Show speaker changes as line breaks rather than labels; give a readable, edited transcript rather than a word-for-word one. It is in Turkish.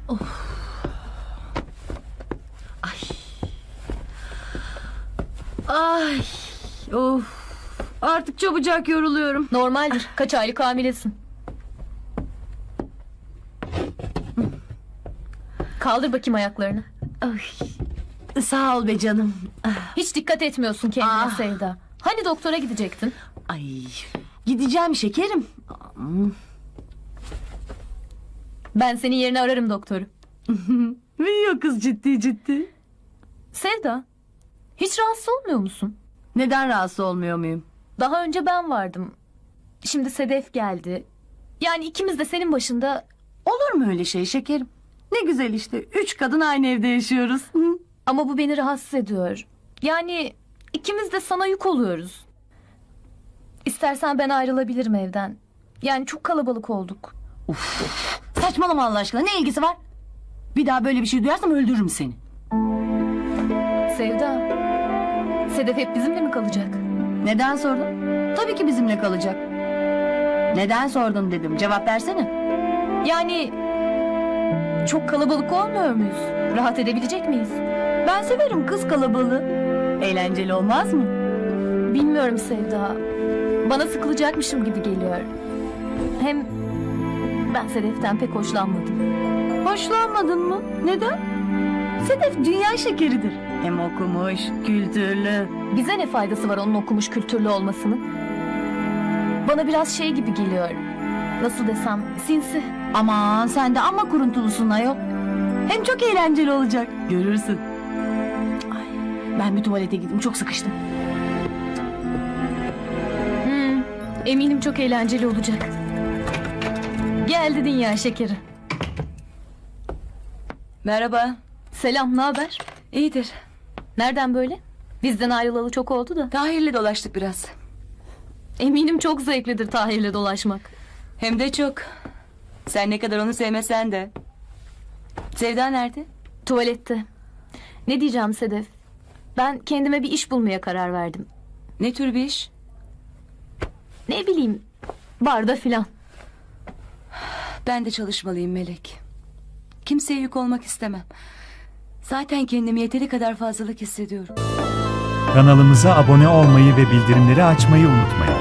Ay, of. Artık çabucak yoruluyorum.
Normaldir. Kaç aylık hamilesin? Kaldır bakayım ayaklarını.
Ay, sağ ol be canım.
Hiç dikkat etmiyorsun kendine
Ah.
Sevda. Hani doktora gidecektin?
Ay, gideceğim şekerim.
Ben senin yerine ararım doktoru.
Biliyor kız ciddi ciddi.
Sevda, hiç rahatsız olmuyor musun?
Neden rahatsız olmuyor muyum?
Daha önce ben vardım. Şimdi Sedef geldi. Yani ikimiz de senin başında...
Olur mu öyle şey şekerim? Ne güzel işte. 3 kadın aynı evde yaşıyoruz. Hı?
Ama bu beni rahatsız ediyor. Yani ikimiz de sana yük oluyoruz. İstersen ben ayrılabilirim evden. Yani çok kalabalık olduk.
Saçmalama Allah aşkına. Ne ilgisi var? Bir daha böyle bir şey duyarsam öldürürüm seni.
Sevda, Sedef hep bizimle mi kalacak?
Neden sordun? Tabii ki bizimle kalacak. Neden sordun dedim. Cevap versene.
Yani çok kalabalık olmuyor muyuz? Rahat edebilecek miyiz?
Ben severim kız kalabalığı. Eğlenceli olmaz mı?
Bilmiyorum Sevda. Bana sıkılacakmışım gibi geliyor. Hem ben Sedef'ten pek hoşlanmadım.
Hoşlanmadın mı? Neden? Sedef dünya şekeridir. Hem okumuş, kültürlü.
Bize ne faydası var onun okumuş kültürlü olmasının? Bana biraz şey gibi geliyor. Nasıl desem, sinsi.
Aman sen de amma kuruntulusun ayol. Hem çok eğlenceli olacak. Görürsün. Ay, ben bir tuvalete gideyim, çok sıkıştım.
Eminim çok eğlenceli olacak. Geldi dünya şekeri.
Merhaba.
Selam, ne haber?
İyidir.
Nereden böyle? Bizden ayrılalı çok oldu da.
Tahir'le dolaştık biraz.
Eminim çok zevklidir Tahir'le dolaşmak.
Hem de çok. Sen ne kadar onu sevmesen de. Sevda nerede?
Tuvalette. Ne diyeceğim Sedef? Ben kendime bir iş bulmaya karar verdim.
Ne tür bir iş?
Ne bileyim, barda filan.
Ben de çalışmalıyım Melek. Kimseye yük olmak istemem. Zaten kendimi yeteri kadar fazlalık hissediyorum.
Kanalımıza abone olmayı ve bildirimleri açmayı unutmayın.